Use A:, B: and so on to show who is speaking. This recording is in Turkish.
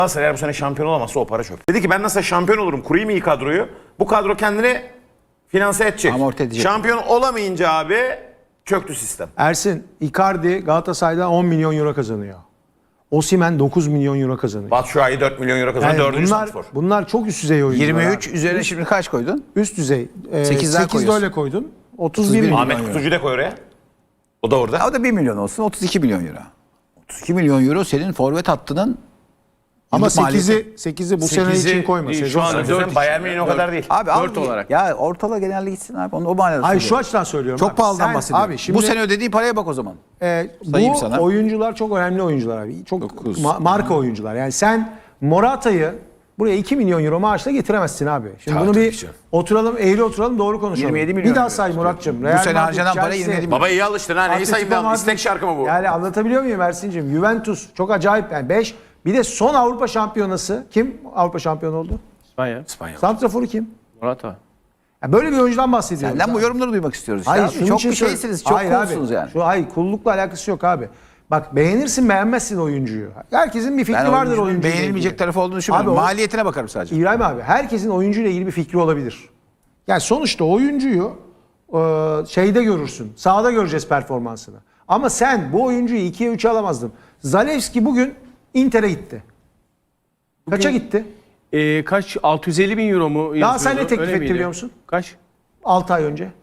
A: Galatasaray eğer bu sene şampiyon olamazsa o para çöp. Dedi ki ben nasıl şampiyon olurum, kurayım iyi kadroyu. Bu kadro kendini finanse edecek.
B: Amorti edecek.
A: Şampiyon olamayınca abi çöktü sistem.
C: Ersin, Icardi Galatasaray'dan 10 milyon euro kazanıyor. Osimhen 9 milyon euro kazanıyor.
A: Batshuayi 4 milyon euro kazanıyor.
C: Yani
A: 4.
C: bunlar,
A: spor.
C: bunlar çok üst düzey oyuncular.
B: 23
C: abi.
B: üzerine şimdi kaç koydun?
C: Üst düzey.
B: 8'den
C: 8
B: koyuyorsun.
C: öyle koydun. 31 milyon.
A: Ahmet Kutucu'yu da koy oraya. O da orada.
B: O da 1 milyon olsun. 32 milyon euro. 32 milyon euro senin forvet hattının
C: Ama
B: yıllık maliyeti.
C: 8'i bu sene için koyma.
D: değil,
C: Sezon
D: şu an
C: sonu.
D: dört
A: Sen Bayern Münih o kadar değil.
B: Abi
D: Dört
B: al,
D: olarak.
B: Ya ortala genelde gitsin abi. Onu o manada
C: Hayır şu
B: söylüyorum.
C: açıdan söylüyorum.
B: Çok
C: abi.
B: pahalıdan
C: Sen-
B: bahsediyorum.
C: Abi şimdi
B: Bu sene ödediği paraya bak o zaman. Sayayım
C: bu
B: sana.
C: oyuncular çok önemli oyuncular abi. Çok
B: 9.
C: Marka oyuncular. Yani sen Morata'yı buraya 2 milyon euro maaşla getiremezsin abi. Şimdi
A: Tabii,
C: bunu
A: tabii
C: bir
A: canım.
C: oturalım, eğri oturalım, doğru konuşalım.
B: 27 milyon
C: bir daha
B: euro
C: say
B: istiyor.
C: Murat'cığım.
B: Bu
C: Real
B: sene
C: Madrid,
B: harcanan para
C: Chelsea,
B: 27 milyon.
A: Baba iyi alıştın ha. Neyi
C: Atletico
A: sayayım devam.
C: Madrid.
A: İstek şarkı mı bu?
C: Yani anlatabiliyor muyum Ersin'cim? Juventus çok acayip. Yani 5. Bir de son Avrupa şampiyonası. Kim Avrupa şampiyonu oldu?
D: İspanya.
C: Santraforu kim?
D: Morata.
C: Yani böyle bir oyuncudan bahsediyoruz.
B: Senden bu
C: abi.
B: yorumları duymak istiyoruz.
C: Hayır,
B: Abi.
C: şunun
B: Çok
C: için
B: bir
C: söyle-
B: şeysiniz. Çok
C: Hayır abi,
B: coolsunuz yani.
C: Hayır, kullukla alakası yok abi. Bak beğenirsin beğenmezsin oyuncuyu. Herkesin bir fikri
B: Ben
C: vardır
B: oyuncunun
C: oyuncuyla
B: beğenilmeyecek
C: ilgili.
B: tarafı olduğunu düşünmüyorum.
C: Abi o-
B: Maliyetine bakarım sadece.
C: İbrahim abi herkesin oyuncuyla ilgili bir fikri olabilir. Yani sonuçta oyuncuyu şeyde görürsün. Sahada göreceğiz performansını. Ama sen bu oyuncuyu 2'ye 3'e alamazdın. Zalewski bugün Inter'e gitti. Kaça gitti?
D: Kaç? 650 bin euro mu yazıyordu?
C: Daha sen ne teklif
D: Öyle
C: etti
D: miydi?
C: biliyor musun?
D: Kaç?
C: 6 ay önce.